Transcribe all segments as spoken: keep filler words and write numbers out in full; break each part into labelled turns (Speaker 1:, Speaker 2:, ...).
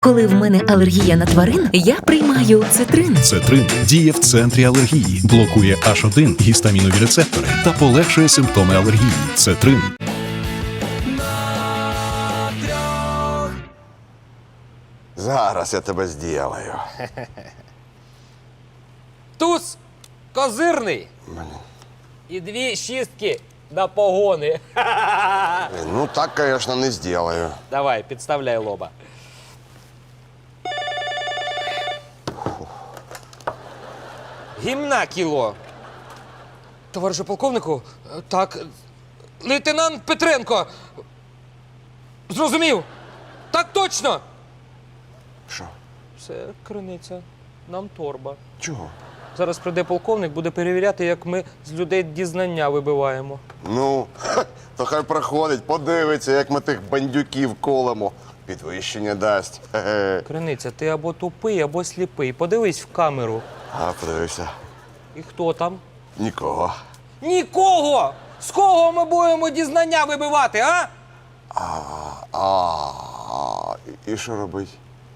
Speaker 1: Коли в мене алергія на тварин, я приймаю цитрин.
Speaker 2: Цетрин діє в центрі алергії, блокує аш один гістамінові рецептори та полегшує симптоми алергії. Цетрин.
Speaker 3: Зараз я тебе зділаю.
Speaker 4: Туз козирний. І дві шістки на погони.
Speaker 3: Ну так, звісно, не зділаю.
Speaker 4: Давай, підставляй лоба. Гімна кіло. Товаришу полковнику, так, лейтенант Петренко. Зрозумів? Так точно.
Speaker 3: Що?
Speaker 4: Це криниця. Нам торба.
Speaker 3: Чого?
Speaker 4: Зараз прийде полковник, буде перевіряти, як ми з людей дізнання вибиваємо.
Speaker 3: Ну, то хай проходить, подивиться, як ми тих бандюків колемо. Підвищення дасть. Хе-хе.
Speaker 4: Криниця, ти або тупий, або сліпий. Подивись в камеру.
Speaker 3: А, подивився.
Speaker 4: І хто там?
Speaker 3: Нікого.
Speaker 4: Нікого! З кого ми будемо дізнання вибивати, а?
Speaker 3: А, і що робить?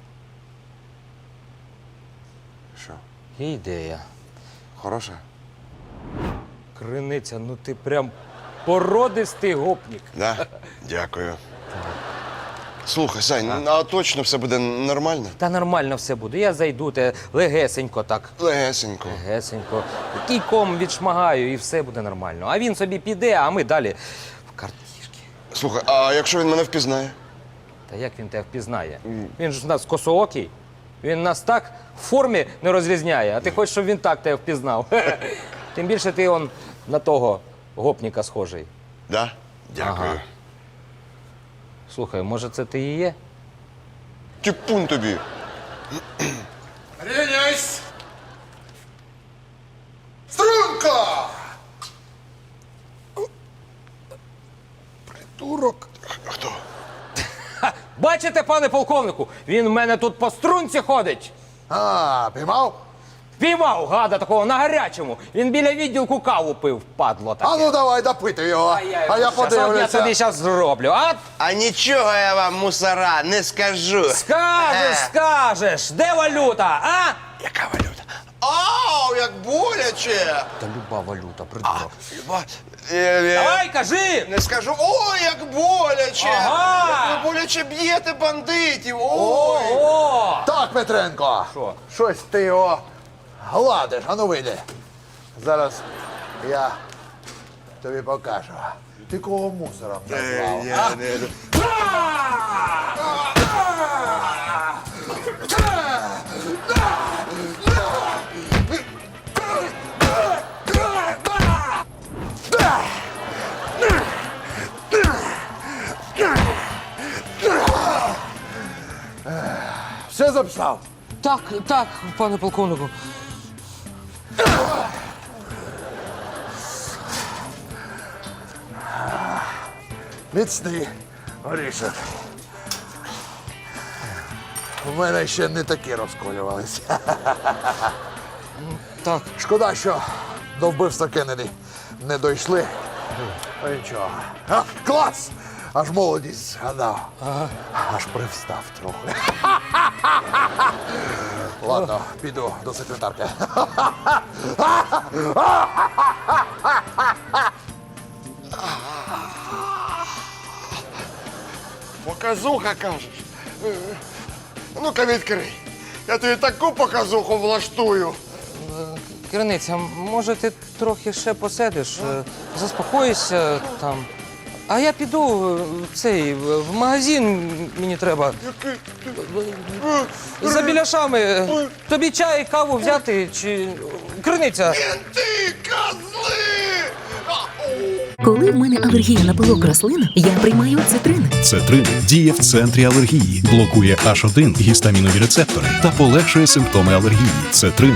Speaker 3: Що?
Speaker 4: Є ідея.
Speaker 3: Хороше?
Speaker 4: Криниця, ну ти прям породистий гопнік.
Speaker 3: Да? Дякую. Слухай, Сань, а точно все буде нормально?
Speaker 4: Та нормально все буде. Я зайду, те легесенько так.
Speaker 3: Легесенько.
Speaker 4: Легесенько. Кійком відшмагаю і все буде нормально. А він собі піде, а ми далі в картішки.
Speaker 3: Слухай, а якщо він мене впізнає?
Speaker 4: Та як він тебе впізнає? Він ж у нас косоокий. Він нас так в формі не розрізняє, а ти хочеш, щоб він так тебе впізнав. Тим більше ти он на того гопніка схожий.
Speaker 3: Да? Дякую.
Speaker 4: Ага. Слухай, може це ти і є?
Speaker 3: Тіпун тобі.
Speaker 5: Рівняйсь! Струнко! Придурок.
Speaker 3: Хто?
Speaker 4: Бачите, пане полковнику, він в мене тут по струнці ходить.
Speaker 5: А, піймав?
Speaker 4: Піймав гада такого на гарячому. Він біля відділку каву пив, падло таке.
Speaker 5: А ну давай допити його, а я
Speaker 4: Щас, от я
Speaker 5: подивлюся.
Speaker 4: тобі зараз зроблю. А
Speaker 3: А нічого я вам, мусора, не скажу.
Speaker 4: скажеш, скажеш, де валюта, а?
Speaker 3: Яка валюта? Ау, як боляче!
Speaker 4: Та люба валюта, придурок.
Speaker 3: Ба- е, е,
Speaker 4: Давай, кажи!
Speaker 3: Не скажу. Ой, як боляче!
Speaker 4: Ага!
Speaker 3: Як ви боляче б'єте бандитів! Ой!
Speaker 4: О!
Speaker 5: Так, Петренко.
Speaker 4: Що?
Speaker 5: Щось ти його гладиш, а ну вийди. Зараз я тобі покажу. Ти кого мусором назвав?
Speaker 3: Я не-
Speaker 5: Все записав?
Speaker 4: Так, так, пане полковнику.
Speaker 5: Міцний горішок. У мене ще не такі розколювалися.
Speaker 4: Так.
Speaker 5: Шкода, що до вбивства Кеннеді не дійшли. Ну нічого. А, клас! Аж молодість згадав. Аж привстав трохи. Ладно, піду до секретарки.
Speaker 3: Показуха, кажеш? Ну-ка відкрий. Я тобі таку показуху влаштую.
Speaker 4: Криниця, може ти трохи ще посидиш, е, заспокоїшся там. А я піду е, в цей в магазин, мені треба. За біляшами. Тобі чай, каву взяти чи. Криниця.
Speaker 3: Ти козли!
Speaker 1: Коли в мене алергія на пилок рослин, я приймаю цитрин.
Speaker 2: Цетрин діє в центрі алергії, блокує аш один гістамінові рецептори та полегшує симптоми алергії. Цетрин.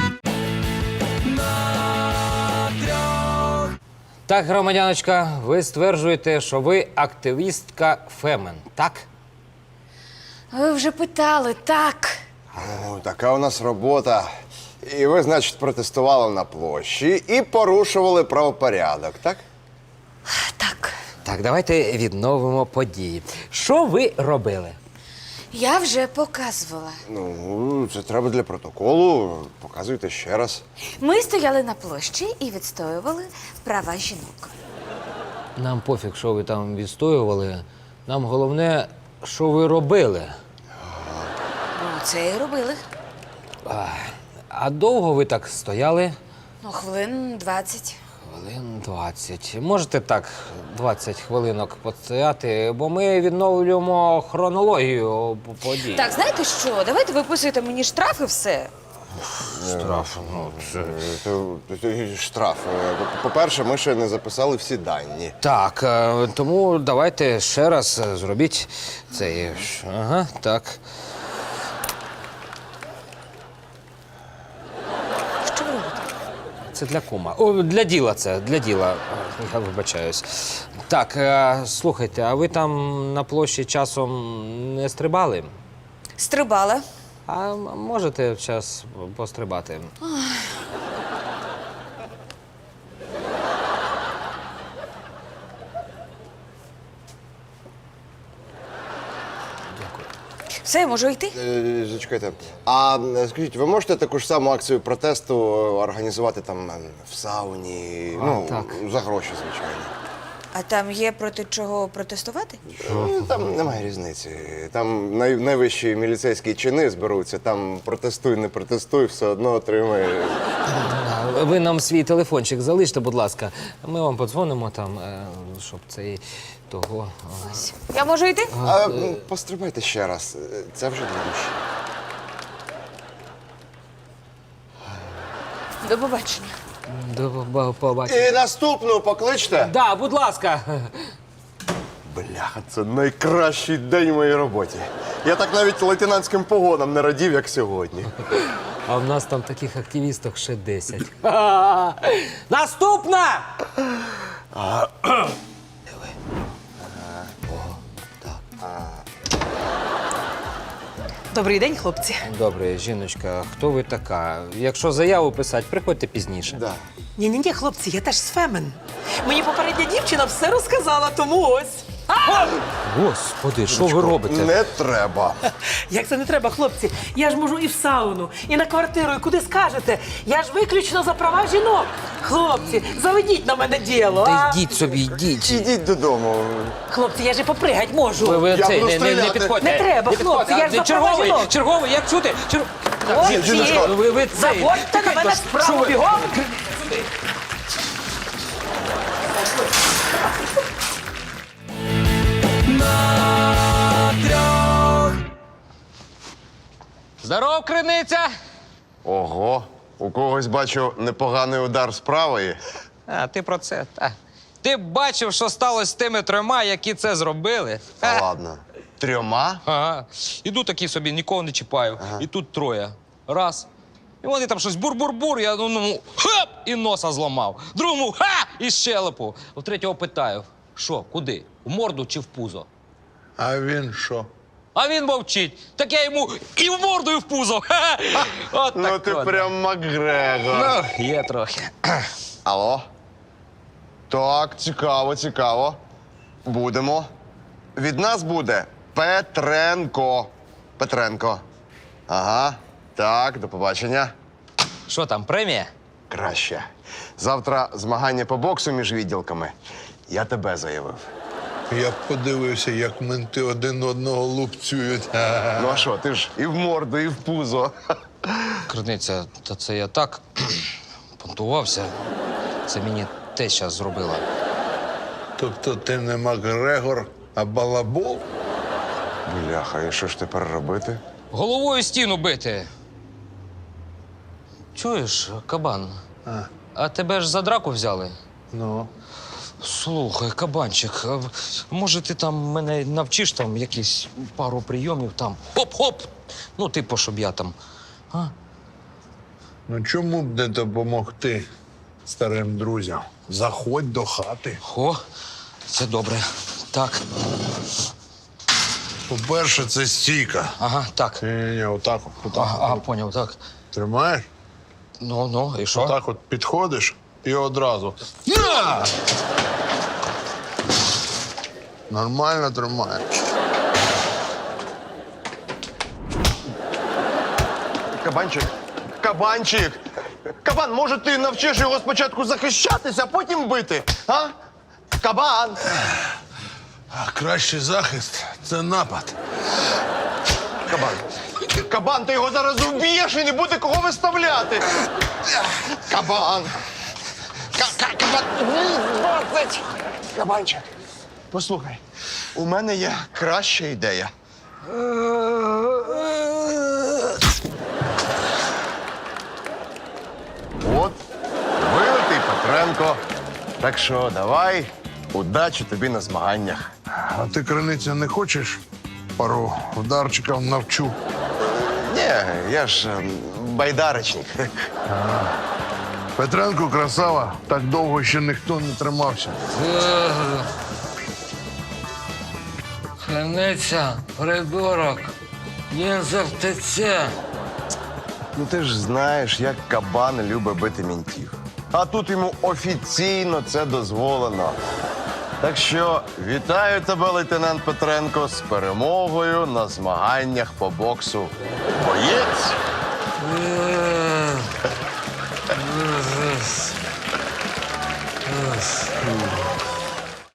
Speaker 4: Так, громадяночка, ви стверджуєте, що ви активістка Фемен, так?
Speaker 6: Ви вже питали, так.
Speaker 3: Ну, така у нас робота. І ви, значить, протестували на площі і порушували правопорядок, так?
Speaker 6: Так.
Speaker 4: Так, давайте відновимо події. Що ви робили?
Speaker 6: Я вже показувала.
Speaker 3: Ну, це треба для протоколу. Показуйте ще раз.
Speaker 6: Ми стояли на площі і відстоювали права жінок.
Speaker 4: Нам пофіг, що ви там відстоювали. Нам головне, що ви робили.
Speaker 6: Ну, це і робили.
Speaker 4: А довго ви так стояли?
Speaker 6: Ну, хвилин двадцять.
Speaker 4: Хвилин двадцять. Можете так двадцять хвилинок постояти, бо ми відновлюємо хронологію подій.
Speaker 6: Так, знаєте що? Давайте виписуйте мені штраф і все.
Speaker 4: Штраф. Ну, це...
Speaker 3: Це- це Штраф. Е, По-перше, ми ще не записали всі дані.
Speaker 4: Так, е, тому давайте ще раз е, зробіть цей. Ага, так.
Speaker 6: Що ви робите?
Speaker 4: Це для кума. О, для діла це, для діла. Е, Я вибачаюсь. Так, е, слухайте, а ви там на площі часом не стрибали?
Speaker 6: Стрибала.
Speaker 4: А м- можете час пострибати?
Speaker 6: Все, я можу йти?
Speaker 3: Е, Зачекайте. А е, скажіть, ви можете таку ж саму акцію протесту організувати там е, в сауні? Ну,
Speaker 4: так.
Speaker 3: за гроші, звичайно.
Speaker 6: А там є проти чого протестувати?
Speaker 3: Ну, Там немає різниці. Там най- найвищі міліцейські чини зберуться, там протестуй, не протестуй, все одно отримає.
Speaker 4: А, Ви нам свій телефончик залиште, будь ласка. Ми вам подзвонимо там, е, щоб цей того. а.
Speaker 6: Я можу йти?
Speaker 3: А м, пострибайте ще раз. Е, Це вже для душі.
Speaker 6: До побачення.
Speaker 4: До поба- побачення.
Speaker 3: І наступну покличте.
Speaker 4: Да, будь ласка.
Speaker 3: Бляха, це найкращий день в моїй роботі. Я так навіть лейтенантським погонам не радів, як сьогодні.
Speaker 4: А в нас там таких активісток ще десять. Наступна!
Speaker 7: Добрий день, хлопці.
Speaker 4: Добре, жіночка, хто ви така? Якщо заяву писати, приходьте пізніше.
Speaker 3: Да.
Speaker 7: Ні-ні-ні, хлопці, я теж з Фемен. Мені попередня дівчина все розказала, тому ось.
Speaker 4: Господи, що ви робите?
Speaker 3: Не треба.
Speaker 7: Як це не треба, хлопці? Я ж можу і в сауну, і на квартиру, і куди скажете. Я ж виключно за права жінок. Хлопці, заведіть на мене діло, а?
Speaker 4: Та йдіть собі, йдіть.
Speaker 3: Ідіть додому.
Speaker 7: Хлопці, я ж і попригать можу.
Speaker 4: Ви, ви
Speaker 3: Я
Speaker 4: цей,
Speaker 3: буду
Speaker 4: не, не, не
Speaker 3: стріляти.
Speaker 4: підходьте.
Speaker 7: Не треба,
Speaker 4: Не підходьте.
Speaker 7: хлопці, я ж
Speaker 4: А,
Speaker 7: за права
Speaker 4: черговий,
Speaker 7: жінок.
Speaker 4: черговий, як чути? Чер...
Speaker 7: Хлопці,
Speaker 3: жіночко,
Speaker 4: ви, ви цей.
Speaker 7: заводьте на мене справу бігом.
Speaker 4: Здоров, криниця!
Speaker 3: Ого, у когось бачу непоганий удар з правої.
Speaker 4: А, ти про це, та. Ти б бачив, що сталося з тими трьома, які це зробили?
Speaker 3: Та ладно. Трьома?
Speaker 4: Ага. Іду такий собі, нікого не чіпаю. І тут троє. Раз. І вони там щось бур-бур-бур, я одному хап! І носа зламав. Другому ха! І щелепу. У третього питаю: що, куди? В морду чи в пузо?
Speaker 5: А він що?
Speaker 4: А він мовчить. Так я йому і в морду, і в пузо. Ха-ха! От
Speaker 3: Ну
Speaker 4: так
Speaker 3: ти
Speaker 4: от.
Speaker 3: прям Макгрегор.
Speaker 4: Ну, є трохи.
Speaker 3: Алло? Так, цікаво, цікаво. Будемо. Від нас буде Петренко. Петренко. Ага. Так, до побачення.
Speaker 4: Що там, премія?
Speaker 3: Краще. Завтра змагання по боксу між відділками. Я тебе заявив.
Speaker 5: Я б подивився, як менти один одного лупцюють.
Speaker 3: Ну а що, ти ж і в морду, і в пузо.
Speaker 4: Криниця, та це я так понтувався. Це мені те щас зробила.
Speaker 5: Тобто ти не Макгрегор, а балабол?
Speaker 3: Бляха, і що ж тепер робити?
Speaker 4: Головою стіну бити. Чуєш, кабан?
Speaker 5: А.
Speaker 4: А тебе ж за драку взяли?
Speaker 5: Ну.
Speaker 4: Слухай, кабанчик, а може ти там мене навчиш там якісь пару прийомів там? Хоп-хоп! Ну, типу, щоб я там. А?
Speaker 5: Ну чому б не допомогти старим друзям? Заходь до хати.
Speaker 4: О, це добре. Так,
Speaker 5: По-перше, це стійка.
Speaker 4: ага, так.
Speaker 5: Ні-ні, отак от. Отак.
Speaker 4: Ага, ага, поняв, так.
Speaker 5: Тримаєш?
Speaker 4: Ну, ну, і що?
Speaker 5: Отак от підходиш і одразу. На! Нормально тримаєш.
Speaker 3: Кабанчик, кабанчик! Кабан, може ти навчиш його спочатку захищатися, а потім бити? А? Кабан!
Speaker 5: А кращий захист це напад.
Speaker 3: Кабан! Кабан, ти його зараз вб'єш і не буде кого виставляти! Кабан! Ка- ка- Кабан! двадцять! Кабанчик, послухай, у мене є краща ідея. От, вилитий Петренко. Так що давай, удачі тобі на змаганнях.
Speaker 5: А ти, криниця, не хочеш? Пару вдарчиків навчу.
Speaker 3: Ні, я ж ем, байдарочник.
Speaker 5: Петренко красава, так довго ще ніхто не тримався.
Speaker 8: Криниця, придурок, він завтече.
Speaker 3: Ну ти ж знаєш, як кабан любить бити мінтів. А тут йому офіційно це дозволено. Так що вітаю тебе, лейтенант Петренко, з перемогою на змаганнях по боксу. Боєць!
Speaker 8: Е,